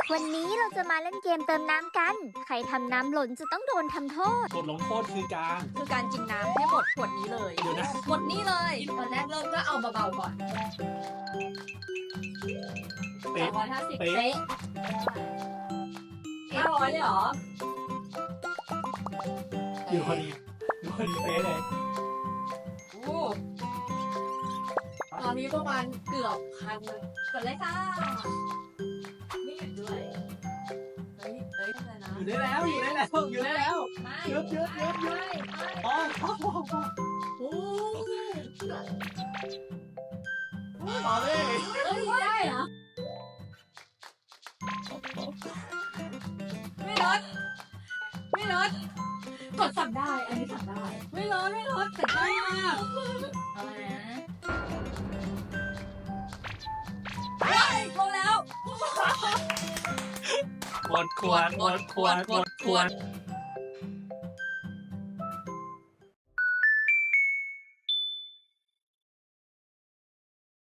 วันนี้เราจะมาเล่นเกมเติมน้ำกัน ใครทำน้ำหล่นจะต้องโดนทำโทษบทลงโทษคือการกินน้ำให้หมดขวดนี้เลยเดี๋ยวนะหมดนี้เลยตอนแรกเริ่มก็เอาเบาๆก่อนเป๊ะ 250 เป๊ะเป๊ะ500เลยเหรออยู่พอดีเป๊ะเลยโอ้ตอนนี้ประมาณเกือบพันเลยกดเลยค่ะไม่หยุดด้วยเฮ้ยอะไรนะอยู่ได้แล้วไม่เยอะอ๋อโอ้ต่อเลยเอ้ยได้เหรอไม่ลดกดสั่งได้ อันนี้สั่งได้ ไม่ลดสั่งได้มากเอาเลยนะเฮ้ยโทรแล้วหมดขวด